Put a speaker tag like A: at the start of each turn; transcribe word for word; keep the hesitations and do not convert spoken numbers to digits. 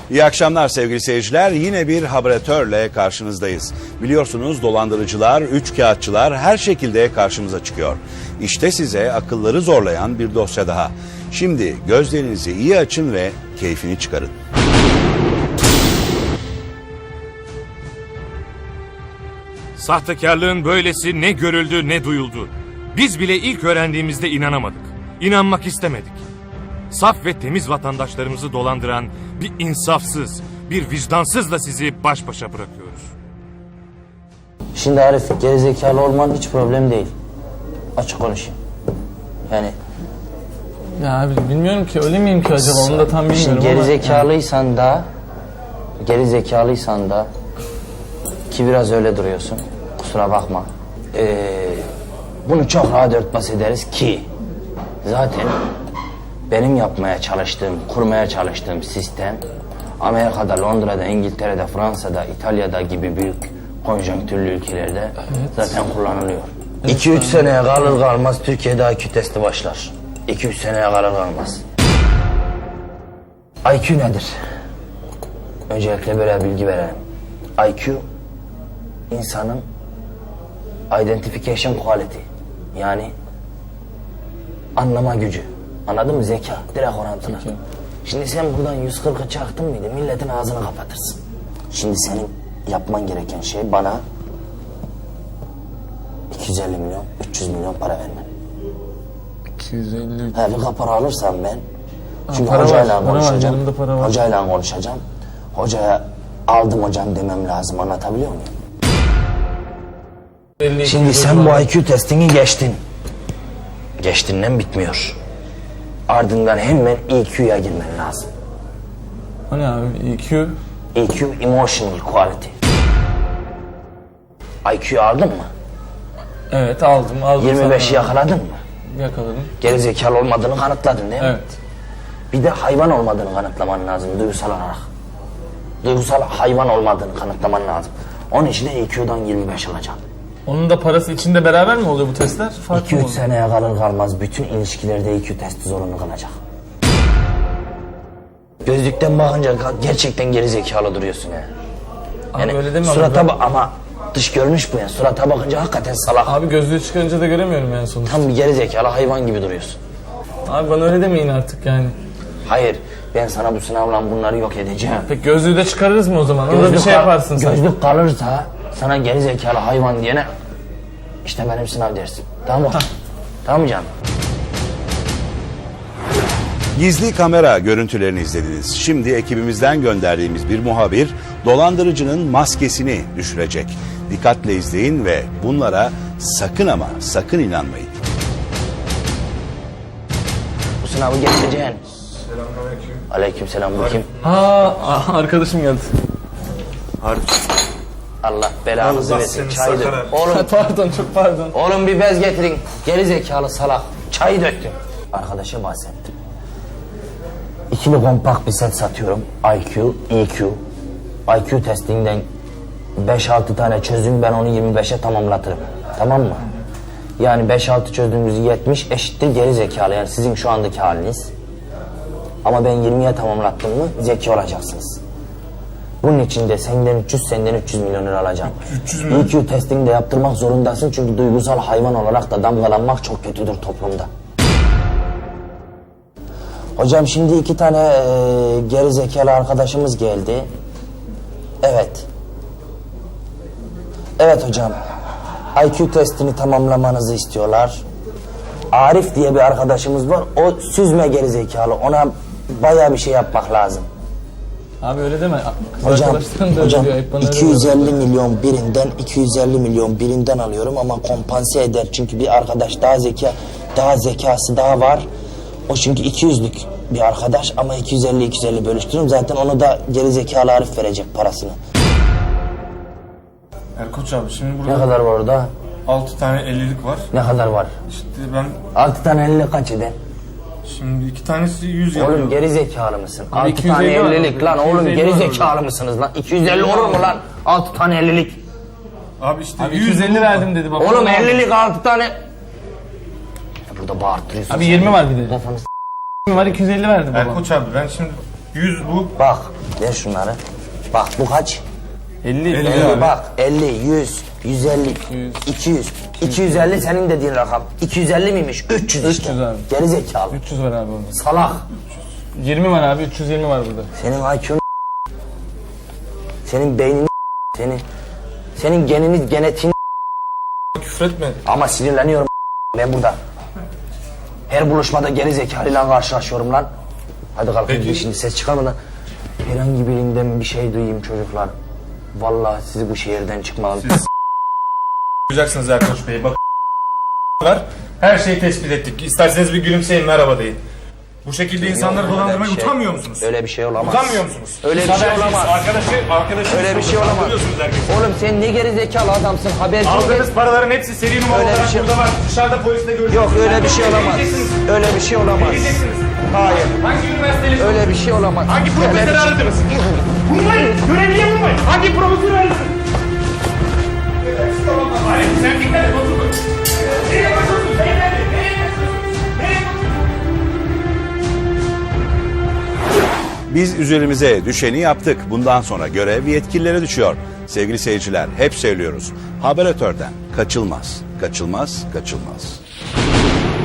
A: İyi akşamlar sevgili seyirciler. Yine bir haberatörle karşınızdayız. Biliyorsunuz dolandırıcılar, üçkağıtçılar her şekilde karşımıza çıkıyor. İşte size akılları zorlayan bir dosya daha. Şimdi gözlerinizi iyi açın ve keyfini çıkarın.
B: Sahtekarlığın böylesi ne görüldü ne duyuldu. Biz bile ilk öğrendiğimizde inanamadık. İnanmak istemedik. Saf ve temiz vatandaşlarımızı dolandıran bir insafsız, bir vicdansızla sizi baş başa bırakıyoruz.
C: Şimdi Arif, gerizekalı olman hiç problem değil. Açık konuşayım. Yani...
D: Ya abi bilmiyorum ki, öyle miyim ki acaba, onu da tam bilmiyorum.
C: Şimdi
D: ama...
C: gerizekalıysan da... Gerizekalıysan da... Ki biraz öyle duruyorsun. Kusura bakma. Ee, bunu çok rahat örtbas ederiz ki... Zaten... Benim yapmaya çalıştığım, kurmaya çalıştığım sistem... Amerika'da, Londra'da, İngiltere'de, Fransa'da, İtalya'da gibi büyük konjonktürlü ülkelerde evet. zaten kullanılıyor. iki üç evet, seneye kalır kalmaz Türkiye'de I Q testi başlar. iki üç seneye kalır kalmaz. I Q nedir? Öncelikle böyle bilgi verelim. I Q, insanın identification quality, yani anlama gücü. Anladın mı? Zeka, direkt orantılı. Peki. Şimdi sen buradan yüz kırkı çaktın mıydı milletin ağzını kapatırsın. Şimdi senin yapman gereken şey bana iki yüz elli milyon, üç yüz milyon para vermen.
D: iki yüz elli...
C: He, bir kapara alırsam ben,
D: ha,
C: çünkü
D: para
C: hocayla
D: var,
C: konuşacağım,
D: para var, para var.
C: hocayla konuşacağım, hocaya aldım hocam demem lazım, anlatabiliyor muyum? Şimdi sen bu I Q testini geçtin. Geçtiğinden bitmiyor. Ardından hemen E Q'ya girmen lazım.
D: O ne abi? E Q?
C: E Q, emotional quality. I Q'yu aldın mı?
D: Evet, aldım. aldım
C: yirmi beşi yakaladın mı?
D: Yakaladım.
C: Gerizekalı olmadığını kanıtladın değil mi?
D: Evet.
C: Bir de hayvan olmadığını kanıtlaman lazım duygusal olarak. Duygusal hayvan olmadığını kanıtlaman lazım. Onun için de E Q'dan yirmi beş alacaksın.
D: Onun da parası içinde beraber mi oluyor bu testler?
C: iki üç seneye kalır kalmaz bütün ilişkilerde E Q testi zorunlu kalacak. Gözlükten bakınca gerçekten gerizekalı duruyorsun ya.
D: Yani. Abi öyle deme
C: surata
D: abi.
C: Ba- ama dış görünüş bu ya. Surata bakınca hakikaten salak.
D: Abi gözlüğü çıkarınca da göremiyorum yani sonuçta.
C: Tam bir gerizekalı hayvan gibi duruyorsun.
D: Abi bana öyle demeyin artık yani.
C: Hayır, ben sana bu sınavla bunları yok edeceğim.
D: Peki gözlüğü de çıkarırız mı o zaman? Orada bir şey yaparsın sen.
C: Gözlük kalırsa sana gerizekalı hayvan diyene işte benim sınav dersim. Tamam mı? Tamam mı canım?
A: Gizli kamera görüntülerini izlediniz. Şimdi ekibimizden gönderdiğimiz bir muhabir dolandırıcının maskesini düşürecek. Dikkatle izleyin ve bunlara sakın ama sakın inanmayın.
C: Bu sınavı geçeceksin.
E: Selamünaleyküm.
C: Aleykümselam, bu kim?
D: Ha, arkadaşım geldi.
C: Allah belanızı
E: Allah
C: versin.
E: seni
C: Çayı dök.
E: sakar.
C: Oğlum,
D: Pardon, çok pardon.
C: oğlum bir bez getirin. Gerizekalı salak. Çayı döktüm. Arkadaşa bahsettim. İkili kompakt bir set satıyorum. I Q, E Q. I Q testinden beş altı tane çözüm, ben onu yirmi beşe tamamlatırım. Tamam mı? Yani beş altı çözdüğümüz yetmiş eşittir gerizekalı. Yani sizin şu andaki haliniz. Ama ben yirmiye tamamlattım mı zeki olacaksınız. Bunun için de senden üç yüz, senden üç yüz milyon lira alacağım.
E: üç yüz milyon.
C: E Q testini de yaptırmak zorundasın çünkü duygusal hayvan olarak da damgalanmak çok kötüdür toplumda. Hocam şimdi iki tane e, geri zekalı arkadaşımız geldi. Evet. Evet hocam. I Q testini tamamlamanızı istiyorlar. Arif diye bir arkadaşımız var. O süzme geri zekalı. Ona bayağı bir şey yapmak lazım.
D: Abi öyle deme. Kız
C: Hocam,
D: arkadaşların da
C: hocam
D: öyle diyor. Hep bana öyle
C: iki yüz elli
D: diyor.
C: milyon birinden iki yüz elli milyon birinden alıyorum ama kompanse eder. Çünkü bir arkadaş daha zeka, daha zekası daha var. O çünkü iki yüzlük bir arkadaş ama iki yüz elli iki yüz elli bölüştürüyorum. Zaten onu da geri zekalı Arif verecek parasını.
E: Erkoç abi şimdi
C: Ne
E: burada
C: kadar var orada?
E: altı tane ellilik var.
C: Ne kadar var?
E: İşte ben
C: altı tane elli kaç eder?
E: şimdi iki tanesi yüz yapıyor.
C: Oğlum geri zekalı mısın?
D: Abi
C: altı
D: iki yüz
C: tane
D: elli var
C: ellilik
D: orada,
C: lan
D: iki yüz
C: oğlum
D: elli
C: geri
D: var
C: zekalı
D: orada.
C: mısınız lan? iki yüz elli olur mu lan? altı tane ellilik.
E: Abi işte
D: Abi
E: yüz
D: iki yüz elli verdim dedi baba.
C: Oğlum ellilik altı tane. Ya burada bağırtırıyorsun.
D: Abi
C: sen.
D: yirmi var bir de.
C: Kafanı s-
D: yirmi var, iki yüz elli verdi baba.
E: Erkoç abi ben şimdi yüz bu.
C: Bak ver şunları. Bak bu kaç?
D: elli.
E: elli
C: elli
E: abi.
C: bak elli, yüz, yüz elli,
D: yüz.
C: iki yüz. iki yüz elli senin dediğin rakam. iki yüz elli miymiş? üç yüz işte.
D: üç yüz abi.
C: Geri zekalı.
D: üç yüz var abi orada.
C: Salak.
D: yirmi var abi. üç yüz yirmi var burada.
C: Senin I Q'un senin beynin senin senin geniniz genetiğin
E: Küfretme.
C: ama sinirleniyorum ben burada. Her buluşmada geri zekalıyla karşılaşıyorum lan. Hadi kalkın
E: Peki.
C: şimdi ses çıkarmadan. Herhangi birinden bir şey duyayım çocuklar. Vallahi sizi bu şehirden çıkmalım.
E: Yapacaksınız Erkoç Bey. Bak var. Her şeyi tespit ettik. İsterseniz bir gülümseyin, merhaba deyin. Bu şekilde insanları
C: Öyle
E: dolandırmaya
C: bir şey-
E: utanmıyor musunuz?
C: Öyle bir şey olamaz.
E: Utanmıyor musunuz?
C: Öyle bir
E: Siz
C: şey
E: habersiz,
C: olamaz.
E: Arkadaşı, arkadaşı
C: Öyle bir şey olamaz. Oğlum sen ne geri zekalı adamsın haberci ol.
B: Aldığınız paraların hepsi seri numara
C: Öyle bir
B: olarak
C: şey-
B: burada var. Dışarıda polisle görüşürüz.
C: Yok öyle bir şey olamaz. Öyle bir şey olamaz.
B: Gideceksiniz.
C: Hayır.
B: Hangi üniversiteli?
C: Öyle bir şey olamaz.
B: Hangi
C: Öyle bir
B: profesörü
C: şey-
B: aradınız? Vurmayın! Görevliye vurmayın! Hangi profesörü aradınız? Hayır, sen dikkat et, otur. Nereye bakıyorsun? Beyefendi, nereye bakıyorsun? Nereye bakıyorsun?
A: Biz üzerimize düşeni yaptık. Bundan sonra görev yetkililere düşüyor. Sevgili seyirciler, hep söylüyoruz. Haberatörden kaçılmaz, kaçılmaz, kaçılmaz.